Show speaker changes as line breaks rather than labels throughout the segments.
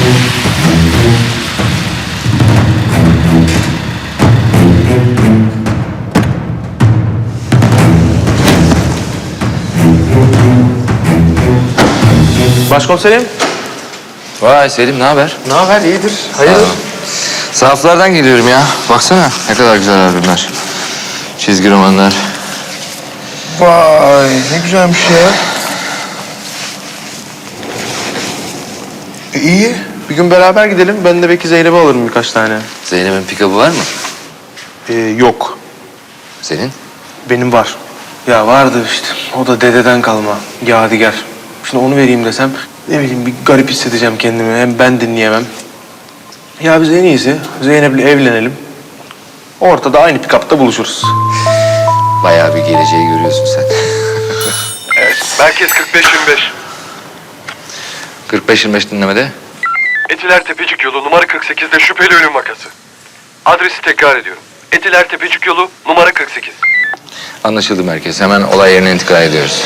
Başkomiserim.
Vay Selim, ne haber?
Ne haber? İyidir. Hayırdır?
Sahaflardan geliyorum ya. Baksana ne kadar güzel albümler. Çizgi romanlar.
Vay ne güzelmiş ya. İyi. Bir gün beraber gidelim. Ben de belki Zeynep'e alırım birkaç tane.
Zeynep'in pikabı var mı?
Yok.
Senin?
Benim var. Ya vardı işte. O da dededen kalma. Yadigar. Şimdi onu vereyim desem ne bileyim bir garip hissedeceğim kendimi. Hem ben dinleyemem. Ya biz en iyisi Zeynep'le evlenelim. Ortada aynı pikapta buluşuruz.
Bayağı bir geleceği görüyorsun sen.
Merkez 45-25.
45-25 dinlemede.
Etiler Tepecik yolu numara 48'de şüpheli ölüm vakası. Adresi tekrar ediyorum. Etiler Tepecik yolu numara 48.
Anlaşıldı merkez. Hemen olay yerine intikal ediyoruz.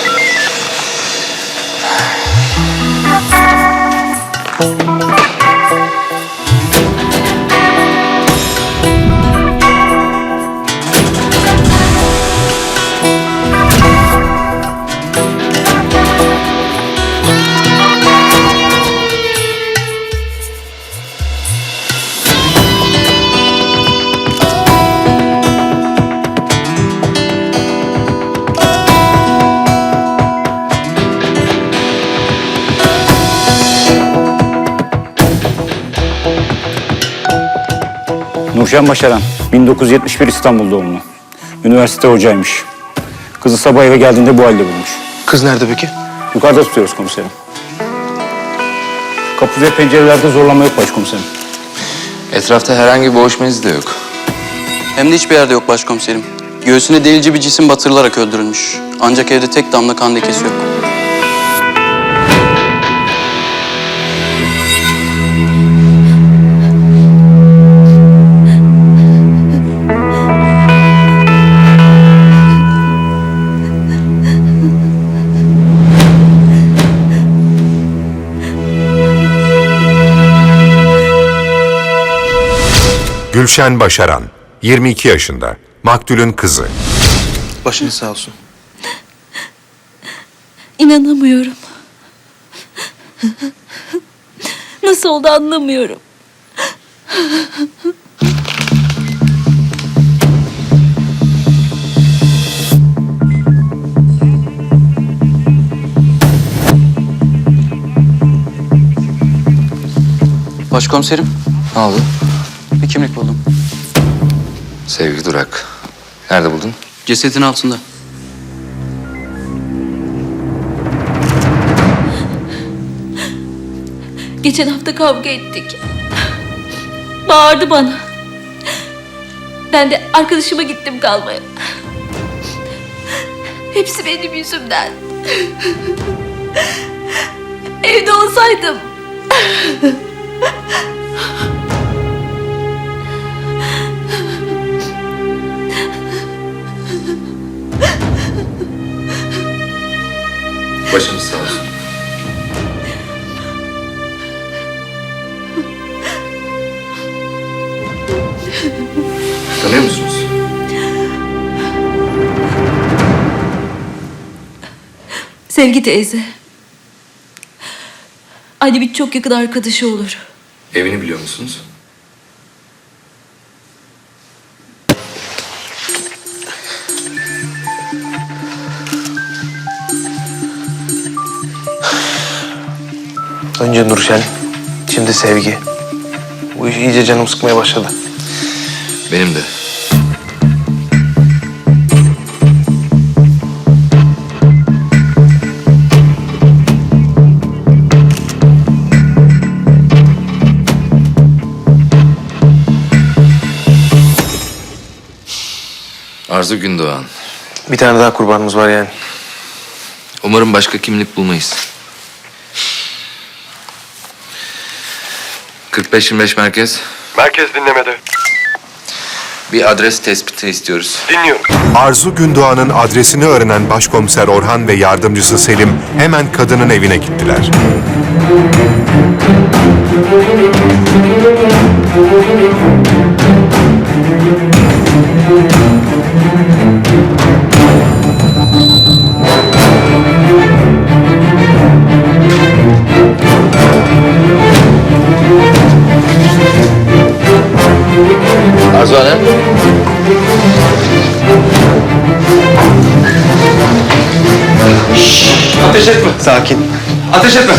Nurşen Başaran, 1971 İstanbul doğumlu. Üniversite hocaymış. Kızı sabah eve geldiğinde bu halde bulmuş.
Kız nerede peki?
Yukarıda tutuyoruz komiserim. Kapı ve pencerelerde zorlama yok başkomiserim.
Etrafta herhangi bir boğuşma izi de yok.
Hem de hiçbir yerde yok başkomiserim. Göğsüne delici bir cisim batırılarak öldürülmüş. Ancak evde tek damla kan lekesi yok.
Gülşen Başaran, 22 yaşında, maktulün kızı.
Başınız sağ olsun.
İnanamıyorum. Nasıl oldu anlamıyorum.
Başkomiserim,
Ne oldu?
bir kimlik buldum.
Sevgi Durak. Nerede buldun?
Cesedin altında.
Geçen hafta kavga ettik. Bağırdı bana. Ben de arkadaşıma gittim kalmaya. Hepsi benim yüzümden. Evde olsaydım.
Başınız sağ olsun. Tanıyor musunuz?
Sevgi teyze. Annemin çok yakın arkadaşı olur.
Evini biliyor musunuz?
Önce Nurşen, şimdi Sevgi. Bu iş iyice canım sıkmaya başladı.
Benim de. Arzu Gündoğan.
Bir tane daha kurbanımız var yani.
Umarım başka kimlik bulmayız. 45-25 merkez.
Merkez dinlemede.
Bir adres tespiti istiyoruz.
Dinliyorum.
Arzu Gündoğan'ın adresini öğrenen başkomiser Orhan ve yardımcısı Selim hemen kadının evine gittiler.
Arzu Hanım.
Ateş etme. Sakin.
Ateş etme.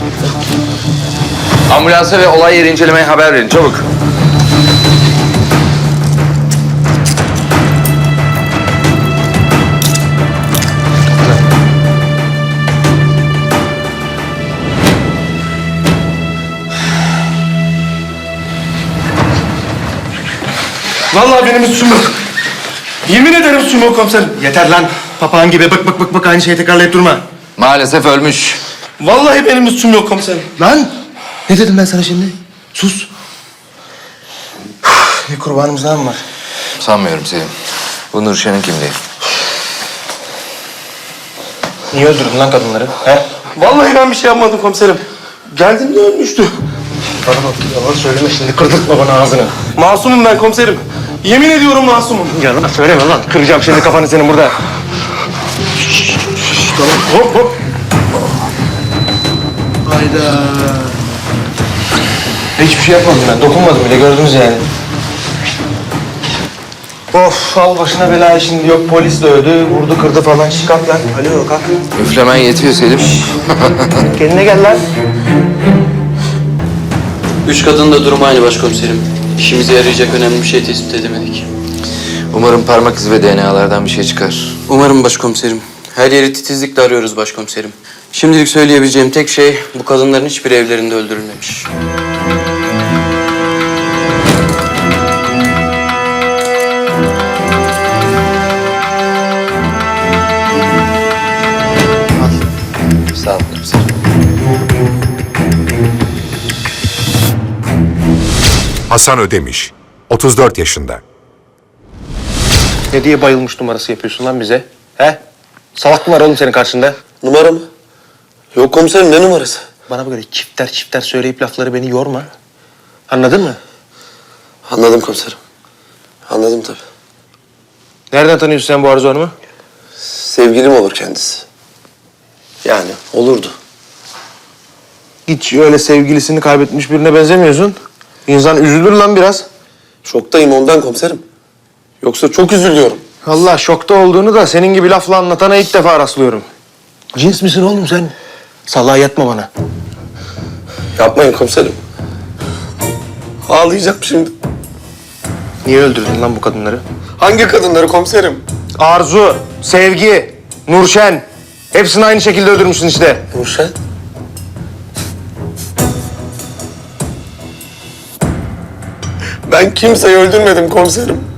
Ambulansa ve olay yeri incelemeye haber verin çabuk.
Vallahi benim suçum yok. Yemin ederim suçum yok komiserim. Yeter lan. Papağan gibi bık bık aynı şeyi tekrarlayıp durma.
Maalesef ölmüş.
Vallahi benim suçum yok komiserim. Lan! Ne dedim ben sana şimdi? Sus. Bir kurbanımız daha mı var?
Sanmıyorum Selim. Bu Nurşen'in kimliği.
Niye öldürdün lan kadınları? He? Vallahi ben bir şey yapmadım komiserim. Geldim de ölmüştü. Bana bak, yalan söyleme şimdi, kırdırtma bana ağzını. Masumum ben komiserim. Yemin ediyorum masumum. Yalan söyleme lan, kıracağım şimdi kafanı senin burada. Tamam, hop hop. Hayda. Hiçbir şey yapmadım ben, dokunmadım bile, gördünüz yani. Of, al başına belayı şimdi, yok polis dövdü, vurdu, kırdı falan. Şş, kalk lan, alo kalk.
Üflemen yetiyor Selim.
Kendine gel lan.
3 kadının da durumu aynı başkomiserim. İşimize yarayacak önemli bir şey tespit edemedik.
Umarım parmak izi ve DNA'lardan bir şey çıkar.
Umarım başkomiserim. Her yeri titizlikle arıyoruz başkomiserim. Şimdilik söyleyebileceğim tek şey bu kadınların hiçbir evlerinde öldürülmemiş.
Sağ ol komiserim.
Hasan Ödemiş, 34 yaşında.
Ne diye bayılmış numarası yapıyorsun lan bize? He? Salak mı var oğlum senin karşında?
Numara mı? Yok komiserim, ne numarası?
Bana böyle çifter söyleyip lafları beni yorma. Anladın mı?
Anladım komiserim. Anladım tabii.
Nereden tanıyorsun sen bu Arzu Hanım'ı?
Sevgilim olur kendisi. Yani olurdu.
Hiç öyle sevgilisini kaybetmiş birine benzemiyorsun. İnsan üzülür lan biraz.
Şoktayım ondan komiserim. Yoksa çok üzülüyorum.
Allah şokta olduğunu da senin gibi lafla anlatana ilk defa rastlıyorum. Cins misin oğlum sen? Salağa yatma bana.
Yapmayın komiserim. Ağlayacağım şimdi.
Niye öldürdün lan bu kadınları?
Hangi kadınları komiserim?
Arzu, Sevgi, Nurşen. Hepsini aynı şekilde öldürmüşsün işte.
Nurşen? Ben kimseyi öldürmedim komiserim.